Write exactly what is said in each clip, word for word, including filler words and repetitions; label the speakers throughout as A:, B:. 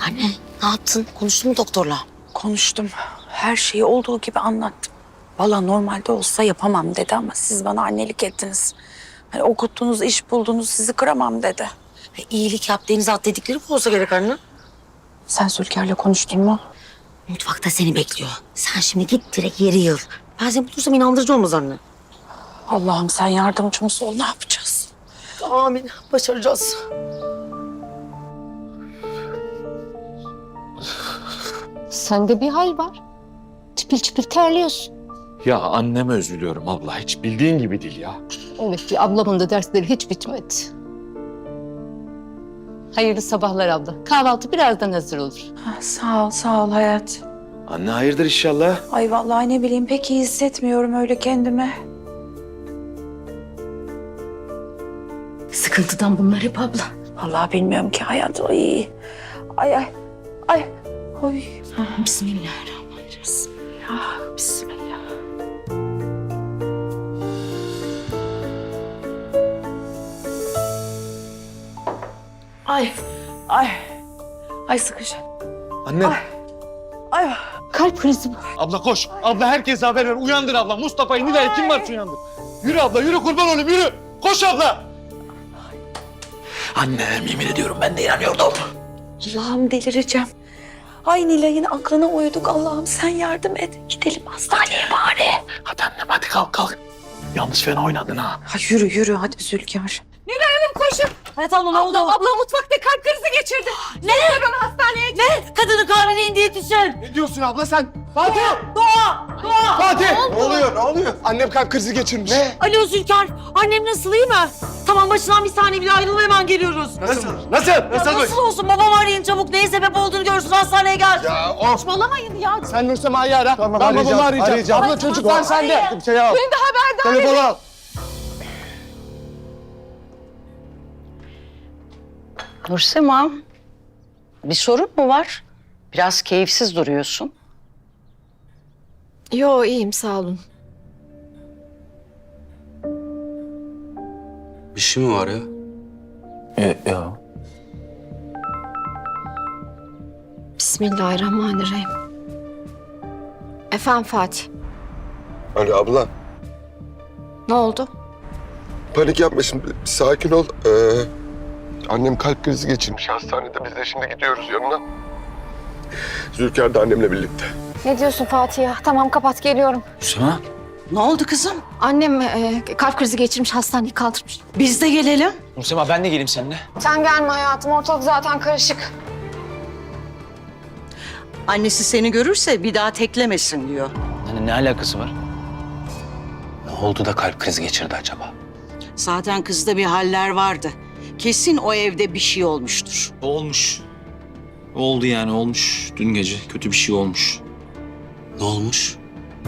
A: Anne ne yaptın? Konuştun mu doktorla?
B: Konuştum. Her şeyi olduğu gibi anlattım. Vallahi normalde olsa yapamam dedi ama siz bana annelik ettiniz. Hani okuttunuz, iş buldunuz, sizi kıramam dedi.
A: E, iyilik yap denize at dedikleri bu olsa gerek anne.
B: Sen Zülker'le konuştun mu?
A: Mutfakta seni bekliyor. Sen şimdi git direkt yeri yığıl. Ben seni bulursam inandırıcı olmaz anne.
B: Allah'ım sen yardımcımız ol. Ne yapacağız?
A: Amin. Başaracağız.
C: Sende bir hal var. Çipil çipil terliyorsun.
D: Ya anneme üzülüyorum abla. Hiç bildiğin gibi değil ya.
C: Evet ki ablamın da dersleri hiç bitmedi. Hayırlı sabahlar abla. Kahvaltı birazdan hazır olur.
B: Ha, sağ ol, sağ ol hayat.
D: Anne hayırdır inşallah.
B: Ay vallahi ne bileyim pek iyi hissetmiyorum öyle kendimi.
A: Sıkıntıdan bunlar hep abla.
B: Vallahi bilmiyorum ki hayat. Ay, ay, ay, ay. Oy.
A: Bismillahirrahmanirrahim.
B: Ah, bismillah. Ay, ay. Ay sıkış.
D: Anne.
B: Ay.
C: Kalp krizi bu.
D: Abla koş. Abla herkese haber ver. Uyandır abla. Mustafa'yı, Nilay'ı kim varsa uyandır. Yürü abla yürü kurban olayım yürü. Koş abla. Anne yemin ediyorum ben de inanıyordum.
B: Allah'ım delireceğim. Ay Nilay'ın aklına uyduk. Allah'ım sen yardım et. Gidelim hastaneye bari.
D: Hadi annem hadi kalk kalk. Yalnız fena oynadın ha.
B: Ha, yürü yürü hadi Zülkar.
A: Hayat abla ne oldu?
E: Abla mutfakta kalp krizi geçirdi. Ne? Hemen hastaneye git.
A: Ne? Kadını kahveye indiye düşen.
F: Ne diyorsun abla sen? Fatih!
A: Doğa! Doğa!
F: Fatih! Ne oluyor? Ne oluyor? Annem kalp krizi geçirmiş. Ne?
E: Alo Zülker. Annem nasıl, iyi mi? Tamam, başından bir saniye bile ayrılma, hemen geliyoruz.
F: Nasıl? Nasıl? Nasıl?
A: Nasıl olsun? Babam arayın çabuk. Neye sebep olduğunu görsün. Hastaneye gel.
F: Ya of!
E: Saçmalamayın ya.
F: Sen Nursema'yı ara.
G: Tamam,
F: ben
G: arayacağım,
F: babamı arayacağım.
G: arayacağım.
F: Abla çocuklar sende.
G: Bir şey al.
E: Beni de haberdar edin.
F: Telefonu al.
H: Nursema, bir sorun mu var? Biraz keyifsiz duruyorsun.
E: Yo, iyiyim, sağ olun.
I: Bir şey mi var ya?
D: E, ya.
E: Bismillahirrahmanirrahim. Efendim Fatih,
G: Alo abla,
E: ne oldu?
G: panik yapma şimdi. Bir sakin ol. Ee, annem kalp krizi geçirmiş hastanede. Biz de şimdi gidiyoruz yanına. Zülker de annemle birlikte.
E: Ne diyorsun Fatih ya? Tamam, kapat, geliyorum.
D: Nursema.
H: Ne oldu kızım?
E: Annem e, kalp krizi geçirmiş, hastaneye kaldırmış.
H: Biz de gelelim.
D: Nursema ben de geleyim seninle.
E: Sen gelme hayatım, ortalık zaten karışık.
H: Annesi seni görürse bir daha teklemesin diyor.
D: Anne ne alakası var?
I: Ne oldu da kalp krizi geçirdi acaba?
H: Zaten kızda bir haller vardı. Kesin o evde bir şey olmuştur.
J: Olmuş. Oldu yani olmuş. Dün gece kötü bir şey olmuş.
I: Ne olmuş?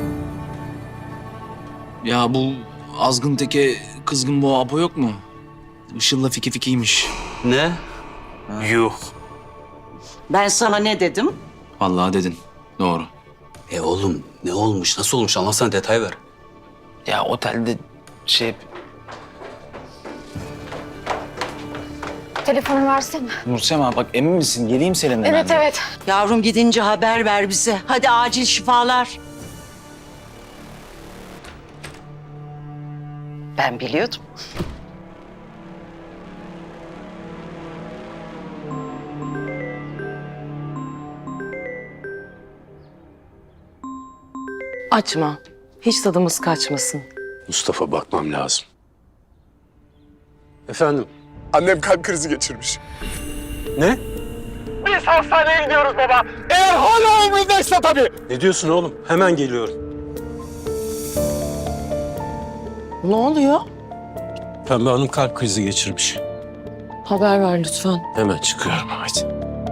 J: Ya bu azgın teke kızgın boğa Apo yok mu? Işıl'la fiki fikiymiş.
I: Ne? Yuh.
H: Ben sana ne dedim?
J: Vallahi dedin. Doğru.
I: E oğlum ne olmuş? Nasıl olmuş? Anlatsana, detay ver.
J: Ya otelde şey...
E: Telefonu versene.
J: Nursema bak emin misin? Geleyim seninle
E: Evet,
J: ben de.
E: evet.
H: Yavrum gidince haber ver bize. Hadi acil şifalar. Ben biliyordum.
K: Açma. Hiç tadımız kaçmasın.
I: Mustafa, bakmam lazım. Efendim?
G: Annem kalp krizi geçirmiş.
I: Ne?
F: Biz hastaneye gidiyoruz baba. Eğer hala umrundaysa tabii.
I: Ne diyorsun oğlum? Hemen geliyorum.
K: Ne oluyor?
I: Pembe Hanım kalp krizi geçirmiş.
K: Haber ver lütfen.
I: Hemen çıkıyorum, hadi.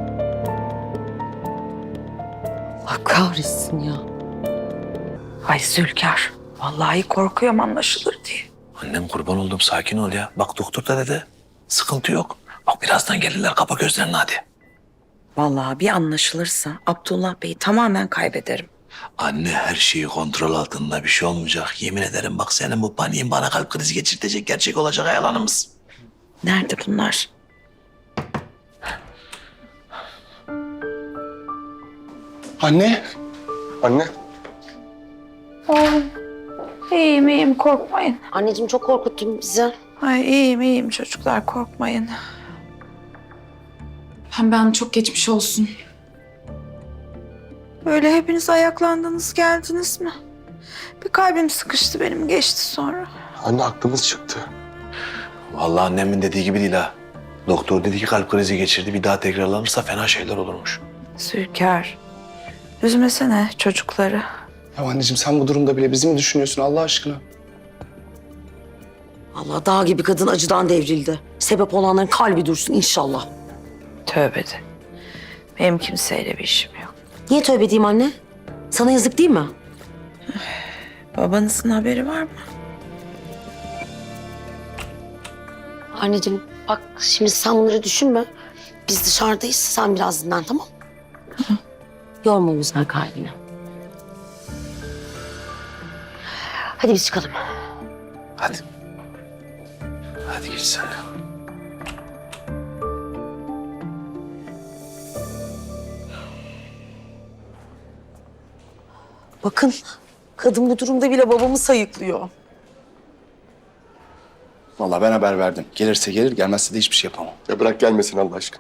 K: Allah kahretsin ya.
B: Ay Zülkar. Vallahi korkuyorum anlaşılır diye.
D: Annem kurban oldum sakin ol ya. Bak doktor da dedi. Sıkıntı yok. Bak birazdan gelirler kapa gözlerini hadi.
B: Vallahi bir anlaşılırsa Abdullah Bey'i tamamen kaybederim.
D: Anne her şeyi kontrol altında bir şey olmayacak. Yemin ederim bak senin bu paniğin bana kalp krizi geçirtecek gerçek olacak yalanımız.
B: Nerede bunlar?
G: Anne. Anne.
B: İyiyim iyiyim korkmayın.
A: Anneciğim çok korkuttun bizi.
B: Ay iyiyim iyiyim çocuklar korkmayın.
E: Hem ben çok geçmiş olsun.
B: Böyle hepiniz ayaklandınız geldiniz mi? Bir kalbim sıkıştı benim geçti sonra.
G: Anne aklımız çıktı.
D: Vallahi annemin dediği gibi değil ha. Doktor dedi ki kalp krizi geçirdi. Bir daha tekrarlanırsa fena şeyler olurmuş.
B: Zülker, üzmesene çocukları.
J: Ya anneciğim sen bu durumda bile bizi mi düşünüyorsun Allah aşkına?
A: Allah dağ gibi kadın acıdan devrildi. Sebep olanların kalbi dursun inşallah.
B: Tövbe de. Benim kimseyle bir işim yok.
A: Niye tövbe edeyim anne? Sana yazık değil mi?
B: Babanızın haberi var mı?
A: Anneciğim bak şimdi sen bunları düşünme. Biz dışarıdayız. Sen biraz dinlen tamam mı? Yorma o güzel kalbini. Hadi biz çıkalım.
D: Hadi. Hadi git sen.
A: Bakın kadın bu durumda bile babamı sayıklıyor.
J: Vallahi ben haber verdim. Gelirse gelir, gelmezse de hiçbir şey yapamam.
G: Ya bırak gelmesin Allah aşkına.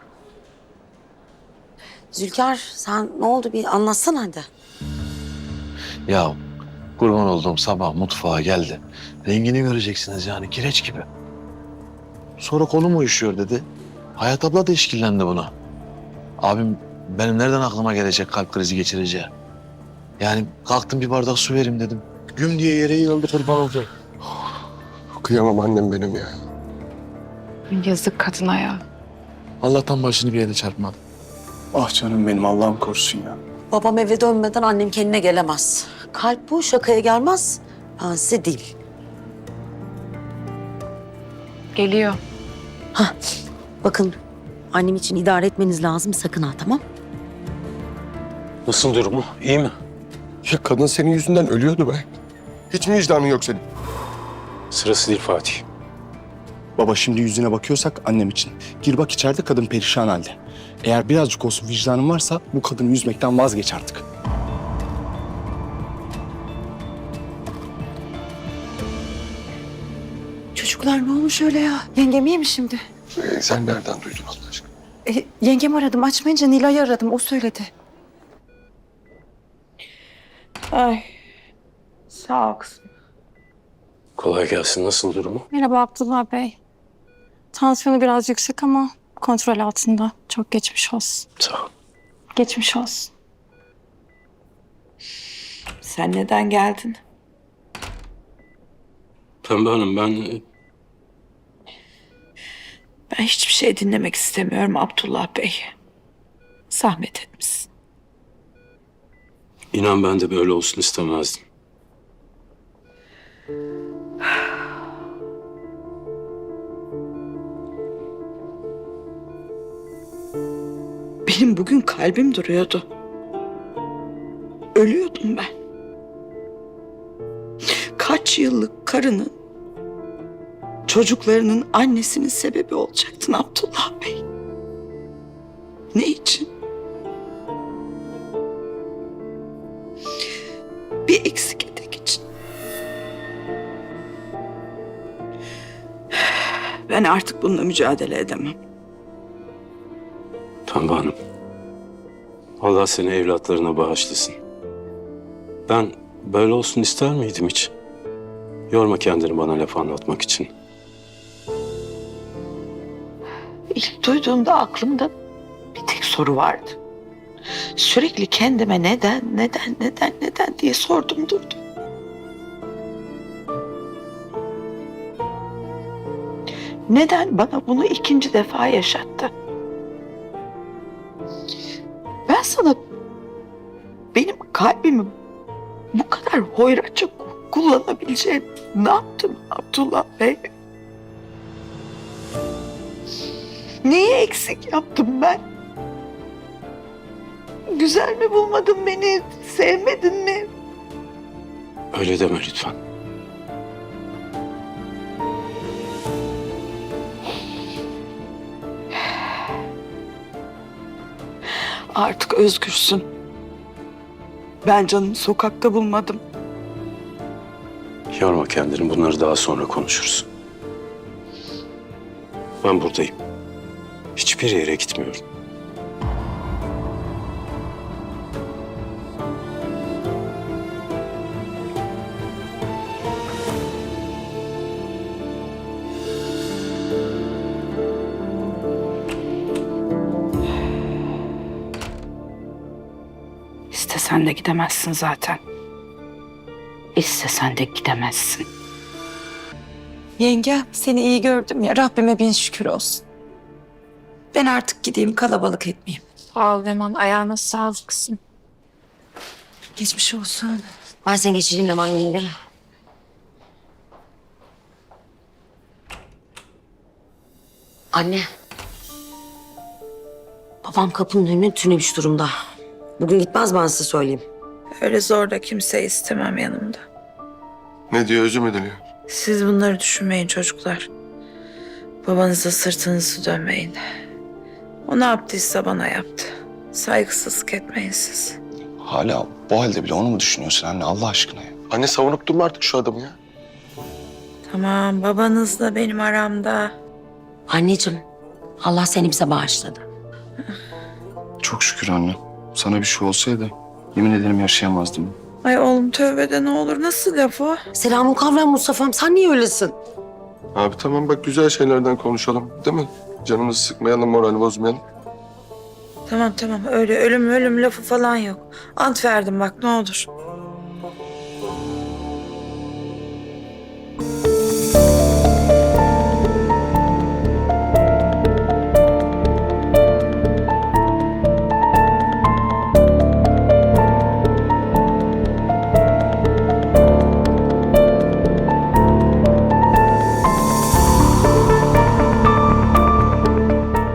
A: Zülker sen ne oldu bir anlatsana hadi.
D: Ya kurban olduğum sabah mutfağa geldi. Rengini göreceksiniz yani kireç gibi. Sonra kolum uyuşuyor dedi. Hayat abla da işkillendi buna. Abim benim nereden aklıma gelecek kalp krizi geçireceği. Yani kalktım bir bardak su vereyim dedim. Güm diye yere yığıldı kurban oldu.
G: Kıyamam annem benim ya.
E: Yazık kadına ya.
D: Allah'tan başını bir yere çarpmadı.
J: Ah canım benim Allah'ım korusun ya.
A: Babam eve dönmeden annem kendine gelemez. Kalp bu şakaya gelmez. Ben size değil.
E: Geliyor.
A: Bakın annem için idare etmeniz lazım sakın ha tamam?
F: Nasıl durumu? İyi mi?
G: Ya kadın senin yüzünden ölüyordu be. Hiç mi vicdanın yok senin?
F: Sırası değil Fatih.
J: Baba şimdi yüzüne bakıyorsak annem için. Gir bak içeride kadın perişan halde. Eğer birazcık olsun vicdanın varsa bu kadını yüzmekten vazgeç artık.
B: Çocuklar ne olmuş öyle ya? Yengem iyi mi şimdi?
G: Ee, sen nereden duydun Allah aşkına?
B: E, yengem aradım. Açmayınca Nilay'ı aradım. O söyledi. Ay. Sağ ol kızım.
F: Kolay gelsin. Nasıl durumu?
E: Merhaba Abdullah Bey. Tansiyonu biraz yüksek ama kontrol altında. Çok geçmiş olsun.
F: Sağ ol.
E: Geçmiş olsun.
B: Sen neden geldin?
F: Pembe Hanım ben...
B: Ben hiçbir şey dinlemek istemiyorum Abdullah Bey. Zahmet etmişsin.
F: İnan ben de böyle olsun istemezdim.
H: Benim bugün kalbim duruyordu. Ölüyordum ben. Kaç yıllık karının, çocuklarının annesinin sebebi olacaktın Abdullah Bey. Ne için? Bir eksik etek için. Ben artık bununla mücadele edemem.
F: Pembe Hanım. Allah seni evlatlarına bağışlasın. Ben böyle olsun ister miydim hiç? Yorma kendini bana laf anlatmak için.
H: İlk duyduğumda aklımda bir tek soru vardı. Sürekli kendime neden, neden, neden, neden diye sordum durdum. Neden bana bunu ikinci defa yaşattı? Ben sana benim kalbimi bu kadar hoyratça kullanabileceğim ne yaptım Abdullah Bey? Neyi eksik yaptım ben? Güzel mi bulmadın beni? Sevmedin mi?
F: Öyle deme lütfen.
H: Artık özgürsün. Ben canımı sokakta bulmadım.
F: Yorma kendini, bunları daha sonra konuşuruz. Ben buradayım. Hiçbir yere gitmiyorum.
H: İstesen de gidemezsin zaten. İstesen de gidemezsin.
B: Yenge, seni iyi gördüm ya. Rabbime bin şükür olsun. Ben artık gideyim, kalabalık etmeyeyim.
E: Sağ ol Leman. Ayağına sağlık kızım.
B: Geçmiş olsun.
A: Ben seni geçireyim Leman yenge. Anne. Babam kapının önüne tünemiş durumda. Bugün gitmez, ben size söyleyeyim.
B: Öyle zor da kimseyi istemem yanımda.
G: Ne diyor, özür mü diliyor?
B: Siz bunları düşünmeyin çocuklar. Babanıza sırtınızı dönmeyin. O ne yaptıysa bana yaptı. Saygısızlık etmeyin siz.
J: Hala bu halde bile onu mu düşünüyorsun anne Allah aşkına ya?
G: Anne savunup durma artık şu adamı ya.
B: Tamam, babanızla benim aramda.
A: Anneciğim, Allah seni bize bağışladı.
J: Çok şükür anne. Sana bir şey olsaydı yemin ederim yaşayamazdım.
B: Ay oğlum tövbe de ne olur. Nasıl laf o?
A: Selamun kavram Mustafa'm, sen niye öylesin?
G: Abi tamam bak, güzel şeylerden konuşalım değil mi? Canımızı sıkmayalım, morali bozmayalım.
B: Tamam tamam, öyle ölüm ölüm lafı falan yok. Ant verdim bak, ne olur.